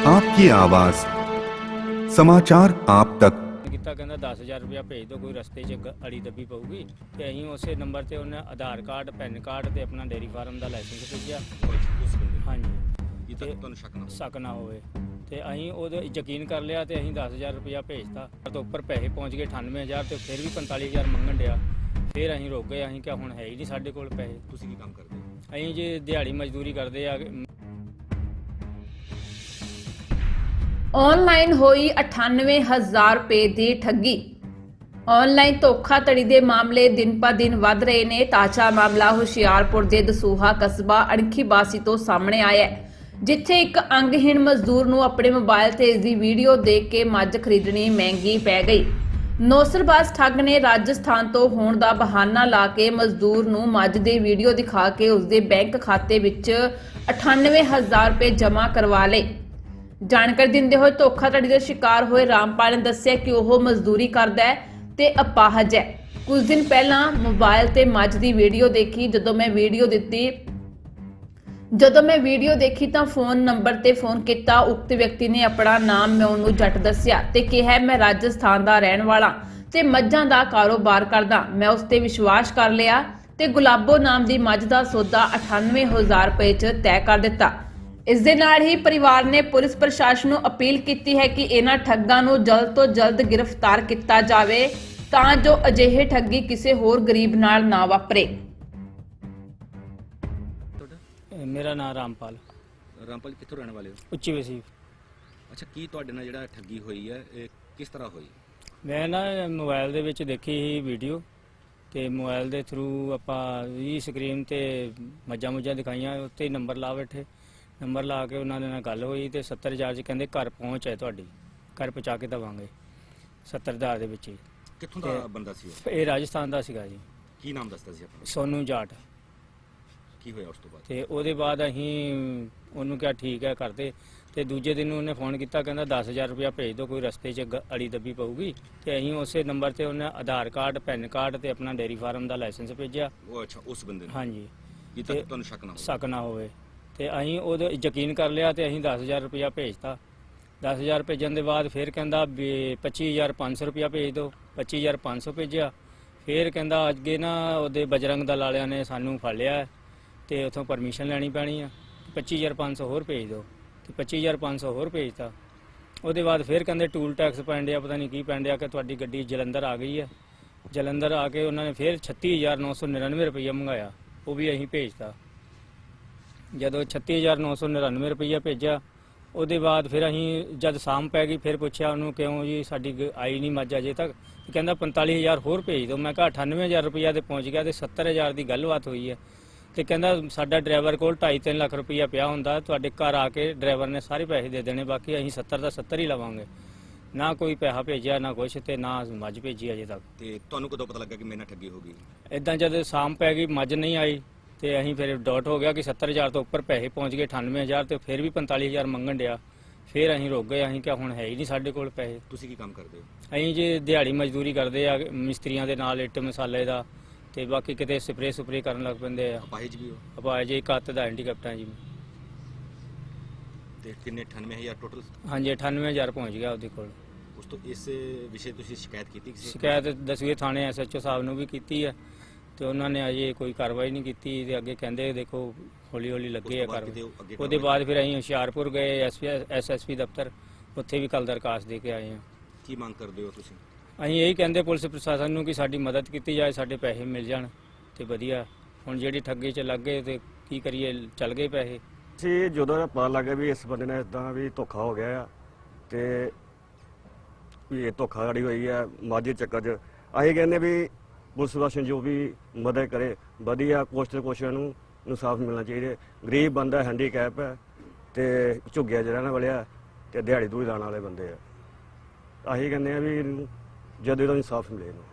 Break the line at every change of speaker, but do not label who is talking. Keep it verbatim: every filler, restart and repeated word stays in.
आपकी आवाज समाचार आप तक।
ਕੀਤਾ ਕਹਿੰਦਾ ਦਸ ਹਜ਼ਾਰ ਰੁਪਇਆ ਭੇਜ ਦਿਓ, ਕੋਈ ਰਸਤੇ 'ਚ ਗ- ਅੜੀ ਦੱਬੀ ਪਊਗੀ ਤੇ ਅਸੀਂ ਉਸੇ ਨੰਬਰ ਤੇ ਉਹਨੇ ਆਧਾਰ ਕਾਰਡ, ਪੈਨ ਕਾਰਡ ਤੇ ਆਪਣਾ ਡੇਅਰੀ ਫਾਰਮ ਦਾ ਲਾਇਸੈਂਸ ਭੇਜਿਆ।
ਉਸ ਬੰਦੇ
ਹਾਂਜੀ,
ਇਹ
ਤੇ
ਤੱਕ ਤੁਹਾਨੂੰ ਸ਼ੱਕ ਨਾ ਹੋਵੇ।
ਸ਼ੱਕ ਨਾ ਹੋਵੇ ਤੇ ਅਸੀਂ ਉਹਦੇ ਯਕੀਨ ਕਰ ਲਿਆ ਤੇ ਅਸੀਂ ਦਸ ਹਜ਼ਾਰ ਰੁਪਇਆ ਭੇਜਤਾ। ਤੋਂ ਉੱਪਰ ਪੈਸੇ ਪਹੁੰਚ ਗਏ ਅਠਾਨਵੇਂ ਹਜ਼ਾਰ ਤੇ ਫਿਰ ਵੀ ਪੰਤਾਲੀ ਹਜ਼ਾਰ ਮੰਗਣ ਡਿਆ। ਫਿਰ ਅਸੀਂ ਰੁਕ ਗਏ, ਅਸੀਂ ਕਿਹਾ ਹੁਣ ਹੈ ਹੀ ਨਹੀਂ ਸਾਡੇ ਕੋਲ ਪੈਸੇ।
ਤੁਸੀਂ ਕੀ ਕੰਮ ਕਰਦੇ ਹੋ?
ਅਸੀਂ ਜੇ ਦਿਹਾੜੀ ਮਜ਼ਦੂਰੀ ਕਰਦੇ ਆ।
ਆਨਲਾਈਨ ਹੋਈ ਅਠਾਨਵੇਂ ਹਜ਼ਾਰ ਰੁਪਏ ਦੀ ਠੱਗੀ। ਆਨਲਾਈਨ ਧੋਖਾਧੜੀ ਦੇ ਮਾਮਲੇ ਦਿਨ ਪਰ ਦਿਨ ਵੱਧ ਰਹੇ ਨੇ। ਤਾਜ਼ਾ ਮਾਮਲਾ ਹੁਸ਼ਿਆਰਪੁਰ ਦੇ ਦਸੂਹਾ ਕਸਬਾ ਅਣਖੀ ਬਾਸੀ ਤੋਂ ਸਾਹਮਣੇ ਆਇਆ ਹੈ, ਜਿੱਥੇ ਇੱਕ ਅੰਗਹੀਣ ਮਜ਼ਦੂਰ ਨੂੰ ਆਪਣੇ ਮੋਬਾਈਲ ਤੇ ਇਸ ਦੀ ਵੀਡੀਓ ਦੇਖ ਕੇ ਮੱਝ ਖਰੀਦਣੀ ਮਹਿੰਗੀ ਪੈ ਗਈ। ਨੌਸਰਬਾਜ਼ ਠੱਗ ਨੇ ਰਾਜਸਥਾਨ ਤੋਂ ਹੋਣ ਦਾ ਬਹਾਨਾ ਲਾ ਕੇ ਮਜ਼ਦੂਰ ਨੂੰ ਮੱਝ ਦੀ ਵੀਡੀਓ ਦਿਖਾ ਕੇ ਉਸਦੇ ਬੈਂਕ ਖਾਤੇ ਵਿੱਚ ਅਠਾਨਵੇਂ ਹਜ਼ਾਰ ਰੁਪਏ ਜਮ੍ਹਾਂ ਕਰਵਾ ਲਏ। ਜਾਣਕਾਰੀ ਦਿੰਦੇ ਹੋਏ ਧੋਖਾਧੜੀ ਦਾ ਸ਼ਿਕਾਰ ਹੋਏ ਰਾਮਪਾਲ ਨੇ ਦੱਸਿਆ ਕਿ ਉਹ ਮਜ਼ਦੂਰੀ ਕਰਦਾ ਹੈ ਤੇ ਅਪਾਹਜ ਹੈ। ਕੁਝ ਦਿਨ ਪਹਿਲਾਂ ਮੋਬਾਈਲ ਤੇ ਮੱਝ ਦੀ ਵੀਡੀਓ ਦੇਖੀ। ਜਦੋਂ ਮੈਂ ਵੀਡੀਓ ਦਿੱਤੀ ਜਦੋਂ ਮੈਂ ਵੀਡੀਓ ਦੇਖੀ ਤਾਂ ਫੋਨ ਨੰਬਰ ਤੇ ਫੋਨ ਕੀਤਾ। ਉਕਤ ਵਿਅਕਤੀ ਨੇ ਆਪਣਾ ਨਾਮ ਮੈਂ ਉਹਨੂੰ ਜੱਟ ਦੱਸਿਆ ਤੇ ਕਿਹਾ ਮੈਂ ਰਾਜਸਥਾਨ ਦਾ ਰਹਿਣ ਵਾਲਾ ਤੇ ਮੱਝਾਂ ਦਾ ਕਾਰੋਬਾਰ ਕਰਦਾ। ਮੈਂ ਉਸ ਤੇ ਵਿਸ਼ਵਾਸ ਕਰ ਲਿਆ ਤੇ ਗੁਲਾਬੋ ਨਾਮ ਦੀ ਮੱਝ ਦਾ ਸੌਦਾ ਅਠਾਨਵੇਂ ਹਜ਼ਾਰ ਰੁਪਏ 'ਚ ਤੈਅ ਕਰ ਦਿੱਤਾ। ਇਸ ਦੇ ਨਾਲ ਹੀ ਪਰਿਵਾਰ ਨੇ ਪੁਲਿਸ ਪ੍ਰਸ਼ਾਸਨ ਨੂੰ ਅਪੀਲ ਕੀਤੀ ਹੈ ਕਿ ਇਹਨਾਂ ਠੱਗਾਂ ਨੂੰ ਜਲਦ ਤੋਂ ਜਲਦ ਗ੍ਰਿਫਤਾਰ ਕੀਤਾ ਜਾਵੇ ਤਾਂ ਜੋ ਅਜਿਹੇ ਠੱਗੀ ਕਿਸੇ ਹੋਰ ਗਰੀਬ ਨਾਲ ਨਾ ਵਾਪਰੇ।
ਇਹ ਮੇਰਾ ਨਾਮ ਰਾਮਪਾਲ,
ਰਾਮਪਾਲ ਕਿੱਥੋਂ ਰਹਿਣ ਵਾਲੇ ਹੋ?
ਉੱਚੀ ਵਸੀਫ।
ਅੱਛਾ, ਕੀ ਤੁਹਾਡੇ ਨਾਲ ਜਿਹੜਾ ਠੱਗੀ ਹੋਈ ਹੈ ਇਹ ਕਿਸ ਤਰ੍ਹਾਂ ਹੋਈ?
ਮੈਂ ਨਾ ਮੋਬਾਈਲ ਦੇ ਵਿੱਚ ਦੇਖੀ ਸੀ ਵੀਡੀਓ ਤੇ ਮੋਬਾਈਲ ਦੇ ਥਰੂ ਆਪਾਂ ਵੀ ਸਕਰੀਨ ਤੇ ਮੱਝਾਂ ਮੁੱਝਾਂ ਦਿਖਾਈਆਂ, ਉੱਤੇ ਨੰਬਰ ਲਾ ਬੈਠੇ। ਨੰਬਰ ਲਾ ਕੇ ਉਹਨਾਂ ਦੇ ਨਾਲ ਗੱਲ ਹੋਈ ਤੇ ਸੱਤਰ ਹਜ਼ਾਰ 'ਚ ਕਹਿੰਦੇ ਘਰ ਪਹੁੰਚ ਹੈ ਤੁਹਾਡੀ, ਘਰ ਪਹੁੰਚਾ ਕੇ ਦੇਵਾਂਗੇ ਸੱਤਰ ਹਜ਼ਾਰ ਦੇ ਵਿੱਚ ਹੀ।
ਕਿੱਥੋਂ ਦਾ ਬੰਦਾ ਸੀ ਉਹ?
ਇਹ ਰਾਜਸਥਾਨ ਦਾ ਸੀਗਾ ਜੀ,
ਕੀ ਨਾਮ ਦੱਸਦਾ ਸੀ ਆਪਣਾ?
ਸੋਨੂ ਜਾਟ।
ਕੀ ਹੋਇਆ ਉਸ ਤੋਂ ਬਾਅਦ?
ਤੇ ਉਹਦੇ ਬਾਅਦ ਅਸੀਂ ਉਹਨੂੰ ਕਿਹਾ ਠੀਕ ਹੈ ਕਰਦੇ। ਤੇ ਦੂਜੇ ਦਿਨ ਉਹਨੇ ਫੋਨ ਕੀਤਾ, ਕਹਿੰਦਾ ਦਸ ਹਜ਼ਾਰ ਰੁਪਇਆ ਭੇਜ ਦਿਓ, ਕੋਈ ਰਸਤੇ 'ਚ ਗ- ਅੜੀ ਦੱਬੀ ਪਊਗੀ। ਤੇ ਅਸੀਂ ਉਸੇ ਨੰਬਰ ਤੇ ਉਹਨੇ ਆਧਾਰ ਕਾਰਡ, ਪੈਨ ਕਾਰਡ ਤੇ ਆਪਣਾ ਡੇਅਰੀ ਫਾਰਮ ਦਾ ਲਾਇਸੈਂਸ ਭੇਜਿਆ।
ਉਹ ਅੱਛਾ, ਉਸ ਬੰਦੇ ਨੂੰ
ਹਾਂਜੀ,
ਇਹ ਤੱਕ ਤੁਹਾਨੂੰ ਸ਼ੱਕ ਨਾ ਹੋਵੇ।
ਸ਼ੱਕ ਨਾ ਹੋਵੇ ਤੇ ਅਸੀਂ ਉਹਦੇ ਯਕੀਨ ਕਰ ਲਿਆ ਤੇ ਅਸੀਂ ਦਸ ਹਜ਼ਾਰ ਰੁਪਇਆ ਭੇਜਤਾ। ਦਸ ਹਜ਼ਾਰ ਭੇਜਣ ਦੇ ਬਾਅਦ ਫਿਰ ਕਹਿੰਦਾ ਵੀ ਪੱਚੀ ਹਜ਼ਾਰ ਪੰਜ ਸੌ ਰੁਪਇਆ ਭੇਜ ਦਿਓ। ਪੱਚੀ ਹਜ਼ਾਰ ਪੰਜ ਸੌ ਭੇਜਿਆ। ਫਿਰ ਕਹਿੰਦਾ ਅੱਗੇ ਨਾ ਉਹਦੇ ਬਜਰੰਗ ਦਲ ਵਾਲਿਆਂ ਨੇ ਸਾਨੂੰ ਫੜ ਲਿਆ ਹੈ ਤੇ ਉੱਥੋਂ ਪਰਮਿਸ਼ਨ ਲੈਣੀ ਪੈਣੀ ਆ, ਪੱਚੀ ਹਜ਼ਾਰ ਪੰਜ ਸੌ ਹੋਰ ਭੇਜ ਦਿਓ। ਤੇ ਪੱਚੀ ਹਜ਼ਾਰ ਪੰਜ ਸੌ ਹੋਰ ਭੇਜਤਾ। ਉਹਦੇ ਬਾਅਦ ਫਿਰ ਕਹਿੰਦੇ ਟੂਲ ਟੈਕਸ ਪੈਂਡਿਆ, ਪਤਾ ਨਹੀਂ ਕੀ ਪੈਂਡਿਆ ਕਿ ਤੁਹਾਡੀ ਗੱਡੀ ਜਲੰਧਰ ਆ ਗਈ ਹੈ। ਜਲੰਧਰ ਆ ਕੇ ਉਹਨਾਂ ਨੇ ਫਿਰ ਛੱਤੀ ਹਜ਼ਾਰ ਨੌ ਸੌ ਨੜਿਨਵੇਂ ਰੁਪਈਆ ਮੰਗਾਇਆ, ਉਹ ਵੀ ਅਸੀਂ ਭੇਜਤਾ। ਜਦੋਂ ਛੱਤੀ ਹਜ਼ਾਰ ਨੌ ਸੌ ਨੜਿਨਵੇਂ ਰੁਪਈਆ ਭੇਜਿਆ, ਉਹਦੇ ਬਾਅਦ ਫਿਰ ਅਸੀਂ ਜਦ ਸ਼ਾਮ ਪੈ ਗਈ ਫਿਰ ਪੁੱਛਿਆ ਉਹਨੂੰ ਕਿਉਂ ਜੀ ਸਾਡੀ ਗ- ਆਈ ਨਹੀਂ ਮੱਝ ਅਜੇ ਤੱਕ। ਤੇ ਕਹਿੰਦਾ ਪੰਤਾਲੀ ਹਜ਼ਾਰ ਹੋਰ ਭੇਜ ਦਿਓ। ਮੈਂ ਕਿਹਾ ਅਠਾਨਵੇਂ ਹਜ਼ਾਰ ਰੁਪਈਆ ਤੇ ਪਹੁੰਚ ਗਿਆ ਤੇ ਸੱਤਰ ਹਜ਼ਾਰ ਦੀ ਗੱਲਬਾਤ ਹੋਈ ਹੈ। ਤੇ ਕਹਿੰਦਾ ਸਾਡਾ ਡਰਾਈਵਰ ਕੋਲ ਢਾਈ ਤਿੰਨ ਲੱਖ ਰੁਪਈਆ ਪਿਆ ਹੁੰਦਾ, ਤੁਹਾਡੇ ਘਰ ਆ ਕੇ ਡਰਾਈਵਰ ਨੇ ਸਾਰੇ ਪੈਸੇ ਦੇ ਦੇਣੇ, ਬਾਕੀ ਅਸੀਂ ਸੱਤਰ ਦਾ ਸੱਤਰ ਹੀ ਲਵਾਂਗੇ। ਨਾ ਕੋਈ ਪੈਸਾ ਭੇਜਿਆ ਨਾ ਕੁਛ, ਤੇ ਨਾ ਮੱਝ ਭੇਜੀ ਅਜੇ ਤੱਕ।
ਤੇ ਤੁਹਾਨੂੰ ਕਦੋਂ ਪਤਾ ਲੱਗਾ ਕਿ ਮੇਰੇ ਨਾਲ ਠੱਗੀ ਹੋ ਗਈ?
ਇਦਾਂ ਜਦ ਸ਼ਾਮ ਪੈ ਗਈ ਮੱਝ ਨਹੀਂ ਆਈ ਤੇ ਅਸੀਂ ਫਿਰ ਡਾਟ ਹੋ ਗਿਆ ਕਿ ਸੱਤਰ ਹਜ਼ਾਰ ਤੋਂ ਉੱਪਰ ਪੈਸੇ ਪਹੁੰਚ ਗਏ ਅਠਾਨਵੇਂ ਹਜ਼ਾਰ ਤੇ ਫਿਰ ਵੀ ਪੰਤਾਲੀ ਹਜ਼ਾਰ ਮੰਗਣ ਡਿਆ। ਫਿਰ ਅਸੀਂ ਰੁਕ ਗਏ, ਅਸੀਂ ਕਿਹਾ ਹੁਣ ਹੈ ਹੀ ਨਹੀਂ ਸਾਡੇ ਕੋਲ ਪੈਸੇ।
ਤੁਸੀਂ ਕੀ ਕੰਮ ਕਰਦੇ ਹੋ?
ਅਸੀਂ ਜੇ ਦਿਹਾੜੀ ਮਜ਼ਦੂਰੀ ਕਰਦੇ ਆ ਮਿਸਤਰੀਆਂ ਦੇ ਨਾਲ, ਇੱਟ ਮਸਾਲੇ ਦਾ, ਤੇ ਬਾਕੀ ਕਿਤੇ ਸਪਰੇ ਸੁਪਰੇ ਕਰਨ ਲੱਗ ਪੈਂਦੇ ਆ।
ਅਪਾਹਿਜ ਵੀ ਹੋ?
ਆਪਾਂ ਜੇ ਇੱਕ ਹੱਥ ਦਾ ਹੈਂਡੀਕੈਪਟ ਆ ਜੀ।
ਤੇ ਕਿੰਨੇ ਅਠਾਨਵੇਂ ਹਜ਼ਾਰ ਟੋਟਲ?
ਹਾਂਜੀ, ਅਠਾਨਵੇਂ ਹਜ਼ਾਰ ਪਹੁੰਚ ਗਿਆ ਉਹਦੇ ਕੋਲ।
ਉਸ ਤੋਂ ਇਸ ਵਿਸ਼ੇ ਤੁਸੀਂ ਸ਼ਿਕਾਇਤ ਕੀਤੀ ਕਿਸੇ?
ਸ਼ਿਕਾਇਤ ਦਸਵੇਂ ਥਾਣੇ ਐਸ ਐਚ ਓ ਸਾਹਿਬ ਨੂੰ ਵੀ ਕੀਤੀ ਹੈ ਤੇ ਉਹਨਾਂ ਨੇ ਅਜੇ ਕੋਈ ਕਾਰਵਾਈ ਨਹੀਂ ਕੀਤੀ। ਤੇ ਅੱਗੇ ਕਹਿੰਦੇ ਦੇਖੋ ਹੌਲੀ ਹੌਲੀ ਲੱਗੇ ਆ
ਉਸ ਤੋਂ ਬਾਅਦ
ਕਾਰਵਾਈ।
ਕਿਤੇ ਉਹ ਅੱਗੇ
ਉਹਦੇ ਬਾਅਦ ਫਿਰ ਅਸੀਂ ਹੁਸ਼ਿਆਰਪੁਰ ਗਏ ਐਸ ਐਸ ਪੀ ਦਫ਼ਤਰ, ਉੱਥੇ ਵੀ ਕੱਲ ਦਰਖਾਸਤ ਦੇ ਕੇ ਆਏ ਹਾਂ।
ਕੀ ਮੰਗ ਕਰਦੇ ਹੋ ਤੁਸੀਂ?
ਅਸੀਂ ਇਹੀ ਕਹਿੰਦੇ ਪੁਲਿਸ ਪ੍ਰਸ਼ਾਸਨ ਨੂੰ ਕਿ ਸਾਡੀ ਮਦਦ ਕੀਤੀ ਜਾਏ, ਸਾਡੇ ਪੈਸੇ ਮਿਲ ਜਾਣ ਤੇ ਵਧੀਆ। ਹੁਣ ਜਿਹੜੀ ਠੱਗੀ 'ਚ ਲੱਗ ਗਏ ਤੇ ਕੀ ਕਰੀਏ, ਚੱਲ ਗਏ ਪੈਸੇ।
ਸੀ ਜਦੋਂ ਇਹ ਪਤਾ ਲੱਗਾ ਵੀ ਇਸ ਬੰਦੇ ਨੇ ਇਦਾਂ ਵੀ ਧੋਖਾ ਹੋ ਗਿਆ ਆ ਤੇ ਵੀ ਇਹ ਧੋਖਾਧੜੀ ਹੋਈ ਆ ਮਾਝੇ ਚੱਕਰ 'ਚ, ਅਸੀਂ ਕਹਿੰਦੇ ਵੀ ਪੁਲਿਸ ਪ੍ਰਸ਼ਾਸਨ ਜੋ ਵੀ ਮਦਦ ਕਰੇ ਵਧੀਆ, ਕੁਛ ਤੇ ਕੁਛ ਨੂੰ ਇਨਸਾਫ ਮਿਲਣਾ ਚਾਹੀਦਾ। ਗਰੀਬ ਬੰਦਾ, ਹੈਂਡੀਕੈਪ ਹੈ ਤੇ ਝੁੱਗਿਆ 'ਚ ਰਹਿਣ ਵਾਲਿਆ ਤੇ ਦਿਹਾੜੀ ਦੂੜੀ ਲਾਉਣ ਵਾਲੇ ਬੰਦੇ ਆ। ਅਸੀਂ ਕਹਿੰਦੇ ਆ ਵੀ ਜਦੋਂ ਇਹਦਾ ਇਨਸਾਫ ਮਿਲੇ ਇਹਨੂੰ।